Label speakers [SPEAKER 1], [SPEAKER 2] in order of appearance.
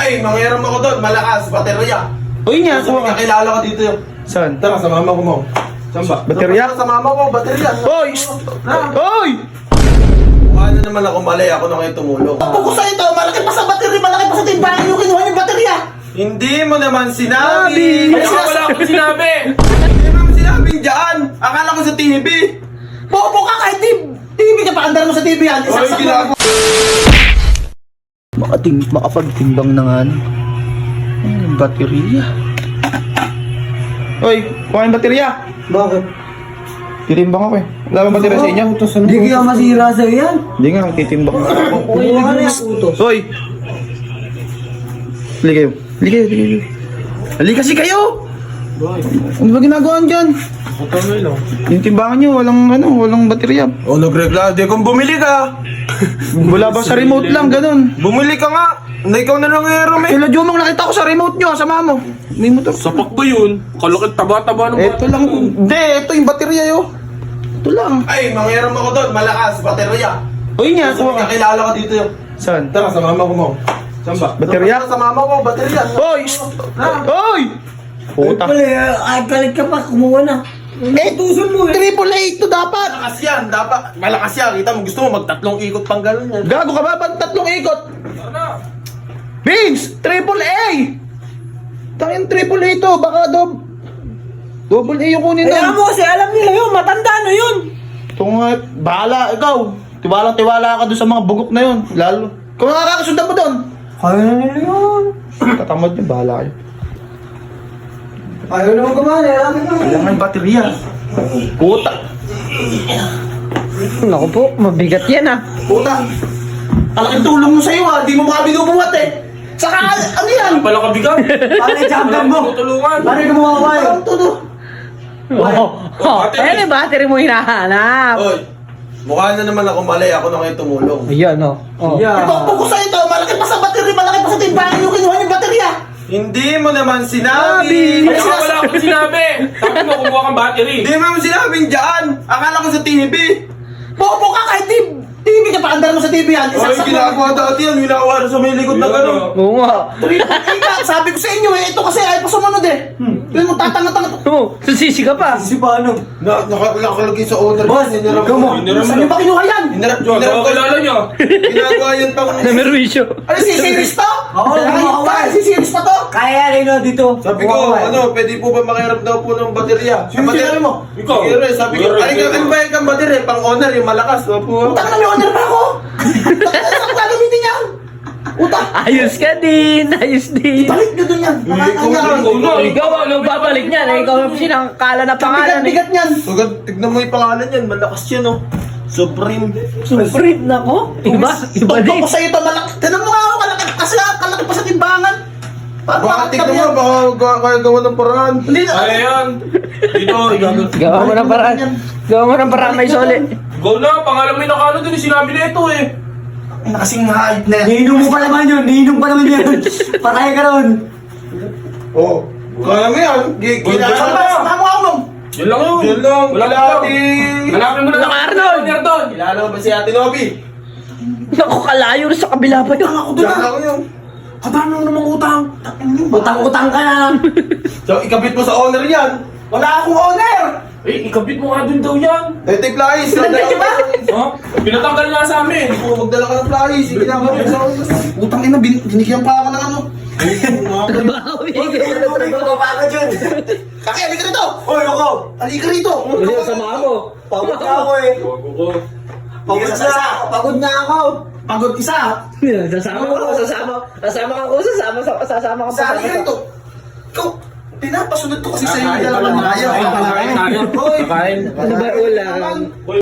[SPEAKER 1] Ay, mangyaram ako doon. Malakas, baterya.
[SPEAKER 2] Uy nga,
[SPEAKER 1] Gusto mo
[SPEAKER 2] kuha ka.
[SPEAKER 1] kakilala ko dito.
[SPEAKER 2] Saan?
[SPEAKER 1] Tara, sa mama ko mo. Saan ba?
[SPEAKER 2] Baterya?
[SPEAKER 1] Sa mama ko, baterya.
[SPEAKER 2] Hoy! Hoy!
[SPEAKER 1] Mukha na naman ako malay. Ako na kayo tumulong.
[SPEAKER 3] Pagko sa ito, malaki pa sa battery, malaki pa sa timbangan yung kinuha yung baterya.
[SPEAKER 1] Hindi mo naman sinabi.
[SPEAKER 2] Sabi.
[SPEAKER 1] Wala akong sinabi. Hindi mo naman sinabi dyan. Akala ko sa TV.
[SPEAKER 3] Bobo ka kahit TV ka pa, andar mo sa TV yan.
[SPEAKER 1] Oy,
[SPEAKER 3] Isaksak mo.
[SPEAKER 1] ginagawa.
[SPEAKER 2] Makapagtimbang na nga. Ay, baterya. Hoy, kuha yung baterya.
[SPEAKER 3] Bakit?
[SPEAKER 2] Titimbang ako eh. Wala bang baterya sa inyo?
[SPEAKER 3] Hindi kaya masira sa'yo yan.
[SPEAKER 2] Hindi nga, titimbang na.
[SPEAKER 3] Kumuha na yung utos.
[SPEAKER 2] Hoy! Hali kayo. Hali kayo, hali kayo. Hali kasi kayo! Ano ba ginagawa dyan? Yung timbangan nyo, walang baterya.
[SPEAKER 1] O, nagreklamo. Di kung bumili ka.
[SPEAKER 2] Wala ba sa remote lang, ganun?
[SPEAKER 1] Bumili ka nga. Na ikaw na lang ngayon eh.
[SPEAKER 2] Kila Jomang, nakita ko sa remote nyo, sama mo. May motor.
[SPEAKER 4] Sapak ba yun? Kalakit taba-taba ng
[SPEAKER 2] Ito lang. Hindi, ito yung baterya yo. Ito lang.
[SPEAKER 1] Ay, mangyaram ako doon. Malakas, baterya.
[SPEAKER 2] Uy nga,
[SPEAKER 1] Gusto mo
[SPEAKER 2] kuha ka.
[SPEAKER 1] kakilala ko dito.
[SPEAKER 2] Saan?
[SPEAKER 1] Tara, sa mama ko mo. Saan ba?
[SPEAKER 2] Baterya?
[SPEAKER 1] Sa mama ko, baterya.
[SPEAKER 2] Hoy! Hoy! Puta.
[SPEAKER 3] Ay, galit ka pa, kumuha na.
[SPEAKER 2] Tuson mo eh. Triple A ito dapat.
[SPEAKER 1] Malakas yan, dapat. Malakas yan. Kita mo, gusto mo magtatlong ikot pang gano'n yan.
[SPEAKER 2] Gago ka ba? Ba't tatlong ikot? Vince! Triple A! Tangin triple A to. Baka double A yung kunin
[SPEAKER 3] Kaya
[SPEAKER 2] doon.
[SPEAKER 3] mo kasi alam nila yun, matanda na yun.
[SPEAKER 2] Ito nga, bahala. Ikaw. Tiwala ka doon sa mga bugok na yun. Lalo. Kung nakakasundan mo doon.
[SPEAKER 3] Kaya na nila yun.
[SPEAKER 2] Tatamad niya, bahala kayo.
[SPEAKER 3] Ayaw naman kumali, alam mo.
[SPEAKER 2] Kailangan yung baterya. Puta.
[SPEAKER 3] Naku po, mabigat yan ah.
[SPEAKER 2] Puta. Kalaking tulong mo sa'yo di mo mga binubuhat eh. Saka, ano yan?
[SPEAKER 4] Pala kabigat.
[SPEAKER 3] Paano yung champion mo?
[SPEAKER 4] Tutulungan.
[SPEAKER 3] Paano yung gumawa kayo?
[SPEAKER 2] Parang todo.
[SPEAKER 3] Ayan yung battery mo hinahanap.
[SPEAKER 1] Oy, mukha na naman ako malay. Ako na kayo tumulong.
[SPEAKER 3] Ayan o.
[SPEAKER 2] Ito, pagko sa ito, malaki pa sa battery, malaki pa sa timbangan yung kinuha yung baterya.
[SPEAKER 1] Hindi mo naman sinabi.
[SPEAKER 4] Kaya wala akong sinabi. Sabi mo, kumuha kang battery.
[SPEAKER 1] Hindi mo naman sinabing dyan. Akala ko sa TV.
[SPEAKER 2] Bobo ka kahit TV ka pa, andar mo sa TV yan.
[SPEAKER 1] Oy,
[SPEAKER 2] Isaksak mo.
[SPEAKER 1] ginagawa dati yan. Winawara sa may likod na gano'n.
[SPEAKER 3] Oo nga.
[SPEAKER 2] Sabi ko sa inyo ito kasi ay pa sumunod eh. Yun mo, tatanga-tanga.
[SPEAKER 3] Oo, susisi ka pa.
[SPEAKER 2] Si paano?
[SPEAKER 1] Nakalagay sa owner.
[SPEAKER 2] Boss,
[SPEAKER 1] Hinarap
[SPEAKER 2] ikaw mo.
[SPEAKER 4] Hinarap
[SPEAKER 2] Saan
[SPEAKER 4] mo.
[SPEAKER 2] yung ba kinuha yan?
[SPEAKER 1] Hinarap
[SPEAKER 4] Baka kilala niya.
[SPEAKER 1] Ginagawa yan pang...
[SPEAKER 3] Namerwisyo.
[SPEAKER 2] Ano si series to?
[SPEAKER 3] Oo,
[SPEAKER 2] Kaya si series pa to?
[SPEAKER 3] Kaya rin o dito.
[SPEAKER 1] Sabi ko, pwede po ba makiharap daw po ng baterya?
[SPEAKER 2] Sino sinabi mo?
[SPEAKER 4] Ikaw.
[SPEAKER 1] Sige, Ray, sabi ko,
[SPEAKER 4] Ray,
[SPEAKER 1] ay kan ba yung baterya? Pang owner, yung malakas. Opo.
[SPEAKER 2] Utang na may honor pa ako. Saan ko gagamitin yan? Utang.
[SPEAKER 3] Ayos ka din, ayos din.
[SPEAKER 2] Balik nyo dun yan.
[SPEAKER 3] Ikaw ang babalik niyan, ikaw ang sinangkala na pangalan.
[SPEAKER 2] Bigat niyan.
[SPEAKER 1] So, tignan mo yung pangalan yan. Malakas yan, oh. Supreme.
[SPEAKER 3] Supreme na ko. Iba din.
[SPEAKER 2] Ito ko sa ito, malaki. Tinan mo nga ako, malaki. Kasi kalaki pa sa timbangan.
[SPEAKER 1] Baka tignan mo, baka kaya gawa ng paraan.
[SPEAKER 2] Hindi na.
[SPEAKER 4] Kaya yan. Dito,
[SPEAKER 3] Gawa mo ng paraan. Gawa mo ng paraan may soli.
[SPEAKER 4] go na. Pangalan mo yung nakano din. Sinabi na ito eh.
[SPEAKER 2] Ay, nakasing hype na yan.
[SPEAKER 3] Niinom mo pa naman yun, niinom pa naman yun. Patay ka ron.
[SPEAKER 1] Oh. Kaya mo yan.
[SPEAKER 2] Saan ba? Saan mo ako nung?
[SPEAKER 4] Yun lang yun.
[SPEAKER 1] Yun lang.
[SPEAKER 4] Wala
[SPEAKER 1] Wala
[SPEAKER 4] ka
[SPEAKER 1] di-
[SPEAKER 4] Hanapin mo na lang.
[SPEAKER 3] Arnold!
[SPEAKER 4] Arnold!
[SPEAKER 1] Kilala mo ba si Ate Nobby?
[SPEAKER 3] Naku, kalayo na sa kabila pa yun.
[SPEAKER 2] Ako doon
[SPEAKER 1] Kilala
[SPEAKER 2] ah.
[SPEAKER 1] ko yun.
[SPEAKER 4] Kadami mo namang utang.
[SPEAKER 3] Utang-utang ka na.
[SPEAKER 1] So, ikabit mo sa owner yan.
[SPEAKER 2] Wala akong owner.
[SPEAKER 4] Eh, ikabit mo nga dun daw yan.
[SPEAKER 1] Tete Flies.
[SPEAKER 2] Pinatay ba?
[SPEAKER 4] Ha? Pinatanggal nga sa amin.
[SPEAKER 1] Magdala ka ng flies. Sige na kami sa owner.
[SPEAKER 2] Utang ina, binigyan pa ako ng ano.
[SPEAKER 3] Trabaho, trabaho pa ako dyan.
[SPEAKER 2] Kaki, halika rito.
[SPEAKER 1] Hoy, ako.
[SPEAKER 2] Halika rito.
[SPEAKER 3] Samahan mo.
[SPEAKER 2] Pagod ka ako eh.
[SPEAKER 4] Bago ko.
[SPEAKER 2] Pagod na. Pagod na ako. Pagod isa.
[SPEAKER 3] Sasama ko, sasama ka pa.
[SPEAKER 2] Sa halika rito. Ikaw, pinapasunod ko kasi sa iyo.
[SPEAKER 4] Kain
[SPEAKER 2] Dalawa na
[SPEAKER 4] pala.
[SPEAKER 2] ayaw.
[SPEAKER 4] Kain.
[SPEAKER 2] Hoy.
[SPEAKER 4] Kain.
[SPEAKER 3] Ano ba ulam?